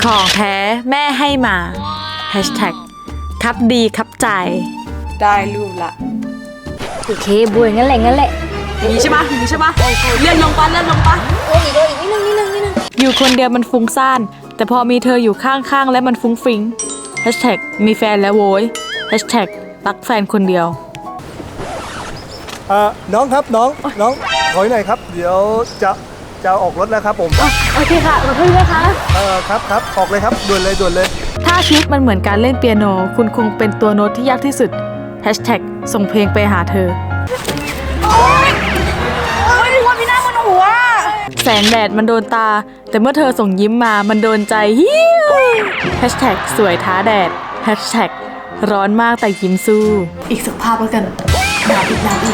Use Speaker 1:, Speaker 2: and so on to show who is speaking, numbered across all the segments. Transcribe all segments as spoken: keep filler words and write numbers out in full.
Speaker 1: ของแท้แม่ให้มาแฮชแท็กครับดีครับใจ
Speaker 2: ได้รูปละ
Speaker 3: โอเคบุยงั้นแหละงั้นแหละ
Speaker 2: อย่างนี้ใช่ปะอย่างนี้ใช่ปะเลื่อนลงปะเลื่อนลงปะ
Speaker 3: โอ้ยอีกโอ้ยอีกนิดนึงนิดนึงนิดนึง
Speaker 1: อยู่คนเดียวมันฟุ้งซ่านแต่พอมีเธออยู่ข้างๆและมันฟุ้งฟิ้งแฮชแท็กมีแฟนแล้วโว้ยแฮชแท็กรักแฟนคนเดียว
Speaker 4: เอ่อน้องครับน้องน้องถอยหน่อยครับเดี๋ยวจะจะออกรถแล้วครับผม
Speaker 3: โอเคค่ะขอบคุณนะคะ
Speaker 4: เออครับครับออกเลยครับด่วนเลยด่วนเลย
Speaker 1: ถ้าชีวิตมันเหมือนการเล่นเปียโนคุณคงเป็นตัวโน้ตที่ยากที่สุดแฮชแท็กส่งเพลงไปหาเธอ
Speaker 2: โอ๊ยโอ๊ยทุกคนมีหน้าบนหัว
Speaker 1: แสงแดดมันโดนตาแต่เมื่อเธอส่งยิ้มมามันโดนใจฮิวแฮชแท็กสวยท้าแดดแฮชแท็กร้อนมากแต่ยิ้มสู้อีกสักภาพแล้วกันหนาวอีกหนาวอีก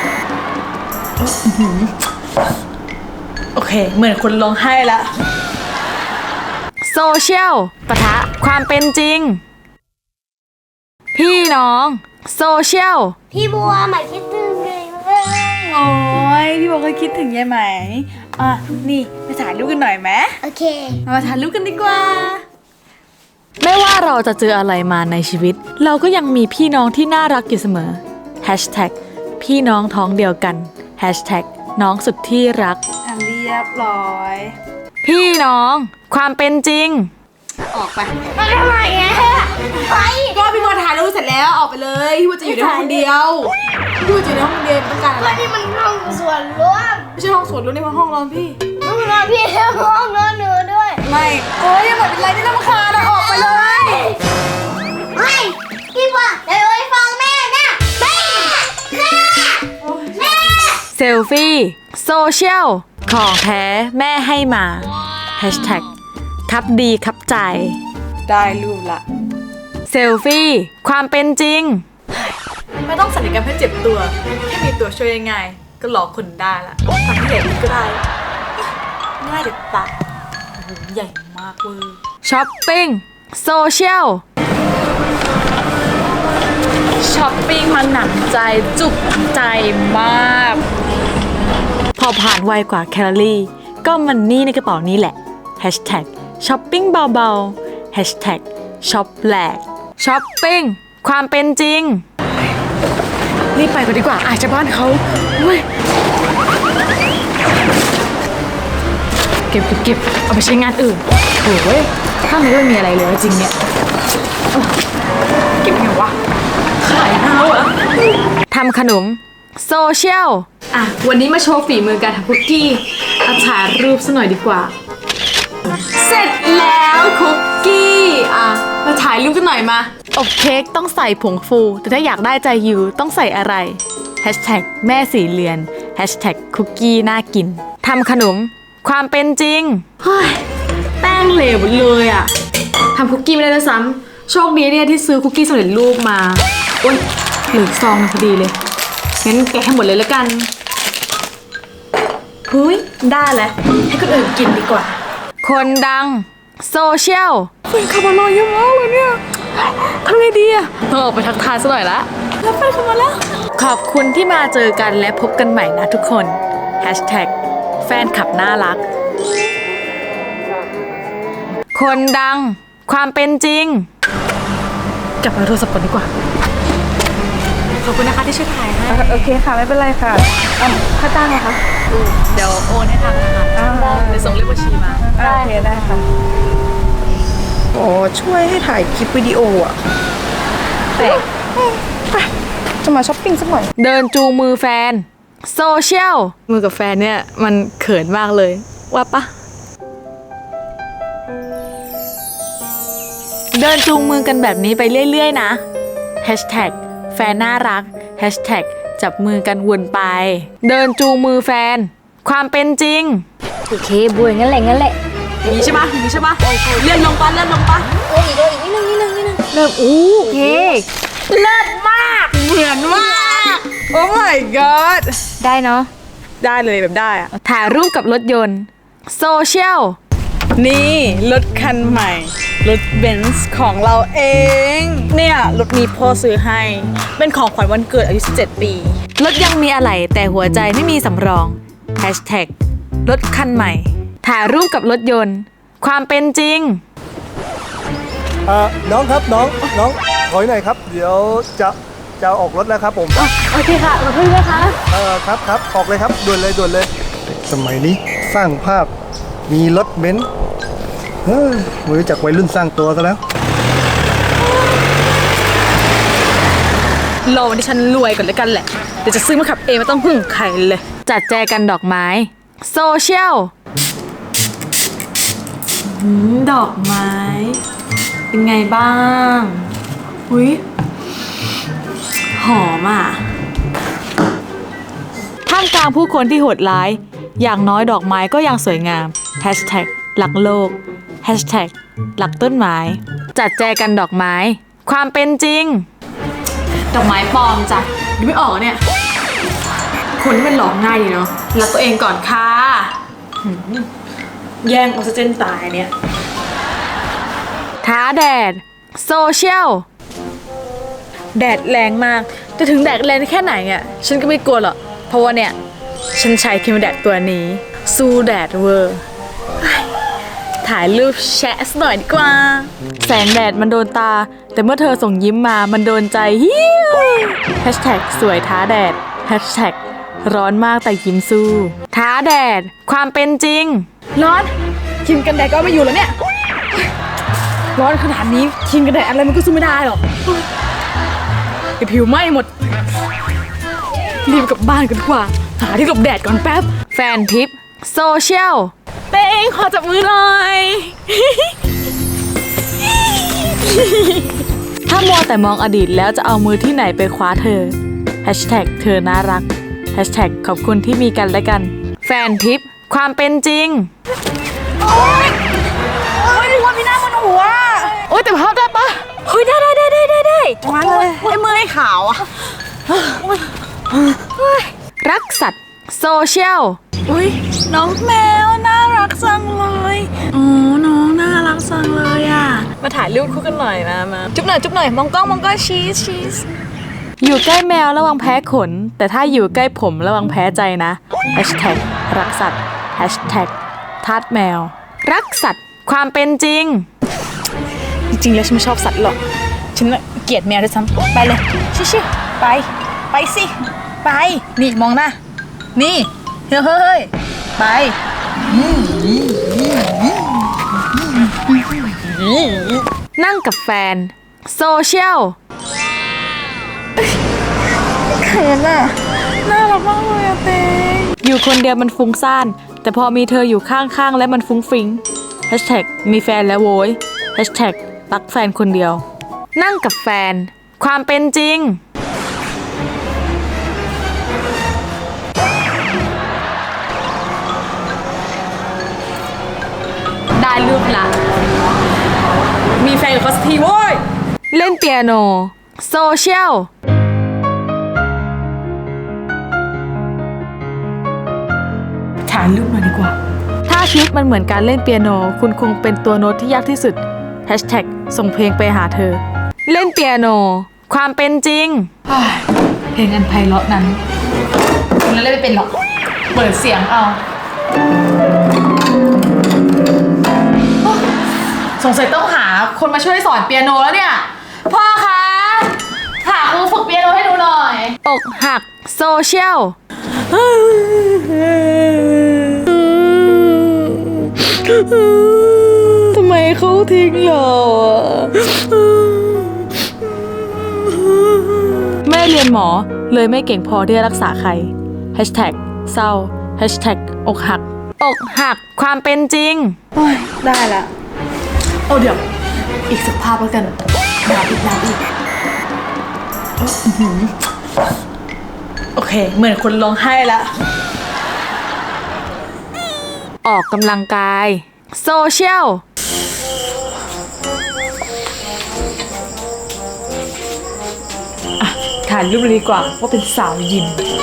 Speaker 1: โอเคเหมือนคนร้องไห้ละโซเชียลปะทะความเป็นจริงพี่น้องโซเชียล
Speaker 3: พี่บัวหมายคิดถึงเลย
Speaker 1: โอ้ยพี่บอกเคยคิดถึงยายไหมอ่ะนี่ไปถ่ายรูปกันหน่อยไหม
Speaker 3: โอเค
Speaker 1: มาถ่ายรูปกันดีกว่าไม่ว่าเราจะเจออะไรมาในชีวิตเราก็ยังมีพี่น้องที่น่ารักอยู่เสมอแฮชแท็กพี่น้องท้องเดียวกันแฮชแท็กน้องสุดที่รักอ่ะเรียบร้อยพี่น้องความเป็นจริงออกไป
Speaker 3: มาทำไมอ่ะไป
Speaker 2: ก็พี่บัวถ่ายรูปเสร็จแล้วออกไปเลยพี่บัวจะอยู่ในห้องคนเดียวพี่บัวจะอยู่ในห้องคนเดียวต้องการอะไร
Speaker 3: นี่มันห้องส่วนรวม
Speaker 2: ไม่ใช่ห้องส่วนรวมนี่มันห้องนอนพี่
Speaker 3: ห้องนอนพี่ห้องนอนหนูด้วย
Speaker 2: ไม่โอ๊ยยังแบบเป็นไรที่รำคาญนะออกไปเลย
Speaker 3: ไม่พี่บัวเดี๋ยวไปฟังแม่เนี่ยแม่แม่แม่
Speaker 1: เซลฟี่โซเชียลของแท้แม่ให้มาแฮชแท็กครับดีครับใจ
Speaker 2: ได้รูปละ
Speaker 1: เซลฟี่ความเป็นจริงไม่ต้องสัญญกรรมให้เจ็บตัวแค่มีตัวช่วยง่ายๆก็หลอกคนได้ละทำที่ไหนก็ได้ง่ายเด็ดตาโอ้โหใหญ่มากเวอร์ช้อปปิ้งโซเชียลช้อปปิ้งมันหนักใจจุกใจมากพอผ่านไวกว่าแคลอรี่ก็มันนี่ในกระเป๋านี้แหละแฮชแท็กช้อปปิ้งเบาๆแฮชแท็กช็อปแหลกช้อปปิ้งความเป็นจริงรีบไปกันดีกว่าอาจจะบ้านเขาเว้ยเก็บเก็บเก็บเอาไปใช้งานอื่นโอ้ยถ้ามันไม่มีอะไรเลยจริงเนี่ย
Speaker 2: เก็บไงวะขายเท้าเหรอ
Speaker 1: ทำขนมโซเชียล
Speaker 2: อ่ะวันนี้มาโชว์ฝีมือการทำคุกกี้เอาถ่ายรูปซะหน่อยดีกว่าเสร็จแล้วคุกกี้อ่ะมาถ่ายรูปกันหน่อยมา
Speaker 1: อบเค้กต้องใส่ผงฟูแต่ถ้าอยากได้ใจยูต้องใส่อะไรแฮชแท็กแม่สีเลือนแฮชแท็กคุกกี้น่ากินทำขนมความเป็นจริง
Speaker 2: เฮ้ยแป้งเหลวเลยอ่ะทำคุกกี้ไม่ได้ด้วยซ้ำโชคดีเนี่ยที่ซื้อคุกกี้สำเร็จรูปมาโอ๊ยเหลือซองพอดีเลยงั้นแกะให้หมดเลยแล้วกันเฮ้ยได้แล้วให้คนอื่นกินดีกว่า
Speaker 1: คนดังโซเชียล
Speaker 2: แฟนคลับมารอเยอะมากเลยเนี่ยทำไงดีอะ
Speaker 1: ต้องออกไปทักทายซะหน่อยละ
Speaker 2: แล้วแฟนคลับมาแล้ว
Speaker 1: ขอบคุณที่มาเจอกันและพบกันใหม่นะทุกคนแฮชแท็กแฟนคลับน่ารักคนดังความเป็นจริง
Speaker 2: กลับมาโทรศัพท์ก่อนดีกว่าขอบคุณนะคะที่ช่วยถ่ายให้
Speaker 4: โอเคค่ะไม่เป็นไรค่ะ
Speaker 2: ค่าจ้างเหรอคะ
Speaker 1: เดี๋ยวโอนให้ทางธนาคารเดี๋ยวส่งเลขบัญชีมา
Speaker 4: โอเคได้ค่ะโอ้ช่วยให้ถ่ายคลิปวิดีโออ่ะ
Speaker 1: แต่
Speaker 4: ไปจะมาช้อปปิ้งสักหน่อย
Speaker 1: เดินจูงมือแฟนโซเชียลมือกับแฟนเนี่ยมันเขินมากเลยว่าปะเดินจูงมือกันแบบนี้ไปเรื่อยๆนะแฮชแท็กแฟนน่ารักแฮชแท็กจับมือกันวนไปเดินจูงมือแฟนความเป็นจริง
Speaker 3: โอเคบุยงั้นแหละงั้นแหละ
Speaker 2: อย่างนี้ใช่ปะอย่างนี้ใช่ปะเลื่อนลงปะเลื่อนลงปะ
Speaker 3: โอ้ยอีกโอ้ยอีกนิดนึงนิดนึงนิดนึง
Speaker 1: เริ่มอู้โอเค
Speaker 2: เลิศมากเหมือนมากโอ้ my god
Speaker 3: ได้เนาะ
Speaker 2: ได้เลยแบบได้อะ
Speaker 1: ถ่ายรูปกับรถยนต์โซเชียล
Speaker 2: นี่รถคันใหม่รถเบนซ์ของเราเองเนี่ยรถนี้พ่อซื้อให้เป็นของขวัญวันเกิดอายุสิบเจ็ดปี
Speaker 1: รถยังมีอะไหล่แต่หัวใจไม่มีสำรองแฮชแท็กรถคันใหม่ถ่ายรูปกับรถยนต์ความเป็นจริง
Speaker 4: เอ่อน้องครับน้องน้องถอยหน่อยครับ เดี๋ยวจะจะออกรถแล้วครับผม
Speaker 2: โอเคค่ะขอบคุณนะคะ
Speaker 4: เออครับครับออกเลยครับด่วนเลยด่วนเลย สมัยนี้สร้างภาพมีรถเบนซ์เฮ้ยไม่รู้จักวัยรุ่นสร้างตัวซะแล้ว
Speaker 2: รอวันที่ฉันรวยก่อนเลยกันแหละ เดี๋ยวจะซื้อมาขับเองไม่ต้องพึ่งใครเลย
Speaker 1: จัดแจกันดอกไม้โซเชียล
Speaker 2: ดอกไม้ เป็นไงบ้างอุ้ยหอมอ่ะ
Speaker 1: ท่ามกลางผู้คนที่โหดร้าย อย่างน้อยดอกไม้ก็ยังสวยงามแฮชแท็กหลักโลกแฮชแท็กหลักต้นไม้จัดแจกันดอกไม้ ความเป็นจริง
Speaker 2: ดอกไม้ปลอมจ้ะดูไม่ออกอะเนี่ย คนที่มันหลอกง่ายดีเนาะรักตัวเองก่อนค่ะหืมแย่งออกซิเจนตายเนี่ย
Speaker 1: ท้าแดดโซเชียล
Speaker 2: แดดแรงมากจะถึงแดดแรงแค่ไหนอ่ะฉันก็ไม่กลัวหรอกเพราะว่าเนี่ย ฉันใช้ครีมแดดตัวนี้ สู้แดดเวอร์เฮ้ยถ่ายรูปแชะสักหน่อยดีกว่า
Speaker 1: แสงแดดมันโดนตา แต่เมื่อเธอส่งยิ้มมามันโดนใจฮิวแฮชแท็กสวยท้าแดดแฮชแท็กร้อนมากแต่ยิ้มสู้ ท้าแดด ความเป็นจริง
Speaker 2: ร้อนครีมกันแดดก็ไม่อยู่แล้วเนี่ยร้อนขนาดนี้ครีมกันแดดอะไรมันก็สู้ไม่ได้หรอกไอผิวไหม้หมดรีบกลับบ้านกันดีกว่าหาที่หลบแดดก่อนแป๊บ
Speaker 1: แฟนทิปโซเชียล
Speaker 2: เต้งขอจับมือหน่อย
Speaker 1: ถ้ามัวแต่มองอดีตแล้วจะเอามือที่ไหนไปคว้าเธอแฮชแท็กเธอน่ารักแฮชแท็กขอบคุณที่มีกันและกัน แฟนทิปความเป็นจริง
Speaker 2: โอ๊ยนึกว่าพี่หน้ามันหัว
Speaker 1: โอ๊ยแต่ภาพได้ปะ
Speaker 2: เฮ้ยได้ได้ได้ได้ได้ได้มาเลยไอ้มือไอ้ขาวอ่ะ
Speaker 1: รักสัตว์โซเชียล
Speaker 2: อุ้ยน้องแมวน่ารักจังเลยอ๋อน้องน่ารักจังเลยอ่ะมาถ่ายรูปคู่กันหน่อยมามาจุ๊บหน่อยจุ๊บหน่อยมองกล้องมองกล้องชีสชีส
Speaker 1: อยู่ใกล้แมวระวังแพ้ขน แต่ถ้าอยู่ใกล้ผมระวังแพ้ใจนะแฮชแท็กรักสัตว์แฮชแท็กทาสแมว รักสัตว์ความเป็นจริง
Speaker 2: จริงๆแล้วฉันไม่ชอบสัตว์หรอกฉันน่ะเกลียดแมวด้วยซ้ำไปเลยชิชิไปไปสิไปนี่มองหน้านี่เฮ้ยเฮ้ยไป
Speaker 1: นั่งกับแฟนโซเชียล
Speaker 2: เขินอ่ะน่ารักมากเลยอะเต้ง
Speaker 1: อยู่คนเดียวมันฟุ้งซ่านแต่พอมีเธออยู่ข้างๆและมันฟุ้งฟิ้งแฮชแท็กมีแฟนแล้วโว้ยแฮชแท็กรักแฟนคนเดียว นั่งกับแฟน ความเป็นจริง
Speaker 2: ได้รูปละมีแฟนกับเขาสักทีโว้ย
Speaker 1: เล่นเปียโนโซเชียล
Speaker 2: ถ่ายรูปหน่อยดีกว่า
Speaker 1: ถ้าชีวิตมันเหมือนการเล่นเปียโน คุณคงเป็นตัวโน้ตที่ยากที่สุดแฮชแท็กส่งเพลงไปหาเธอ เล่นเปียโน ความเป็นจริง
Speaker 2: เพลงอันไพเราะนั้นคุณเล่นไม่เป็นหรอกเปิดเสียงเอาสงสัยต้องหาคนมาช่วยสอนเปียโนแล้วเนี่ยพ่อคะหาครูฝึกเปียโนให้ดูหน่อย
Speaker 1: อกหักโซเชียล
Speaker 2: ทำไมเขาทิ้งเราอ่ะ
Speaker 1: ไม่ได้เรียนหมอเลยไม่เก่งพอที่จะรักษาใครแฮชแท็กเศร้าแฮชแท็กอกหัก อกหักความเป็นจริง
Speaker 2: โอ้ยได้ละโอ้เดี๋ยวอีกสักภาพแล้วกันดาบอีกดาบอีกอื้อหือโอเคเหมือนคนร้องไห้ละ
Speaker 1: ออกกำลังกายโซเชียล
Speaker 2: ถ่ายรูปเลยดีกว่าว่าเป็นสาวยิม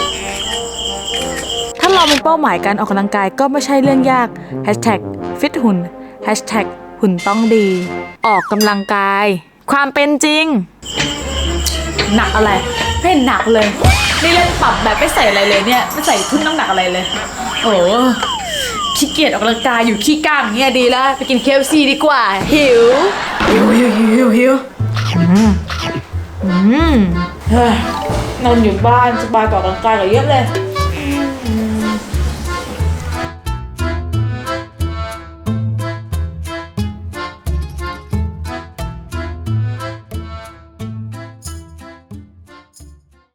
Speaker 1: ถ้าเรามีเป้าหมายการออกกำลังกายก็ไม่ใช่เรื่องยากแฮชแท็กฟิตหุ่นแฮชแท็กหุ่นต้องดี ออกกำลังกาย ความเป็นจริง
Speaker 2: หนักอะไรไม่เห็นหนักเลยนี่เล่นปรับแบบไม่ใส่อะไรเลยเนี่ยไม่ใส่ทุ่นน้ำหนักอะไรเลยโอ้ขี้เกียจออกกำลังกายอยู่ขี้ก้างอย่างเงี้ยดีแล้วไปกิน เค เอฟ ซี ดีกว่าหิวหิวหิวหิวหิวหิว
Speaker 1: อืมเฮ้ยนอนอยู่บ้านสบายกว่าออกกำลังกายกว่าเยอะเลย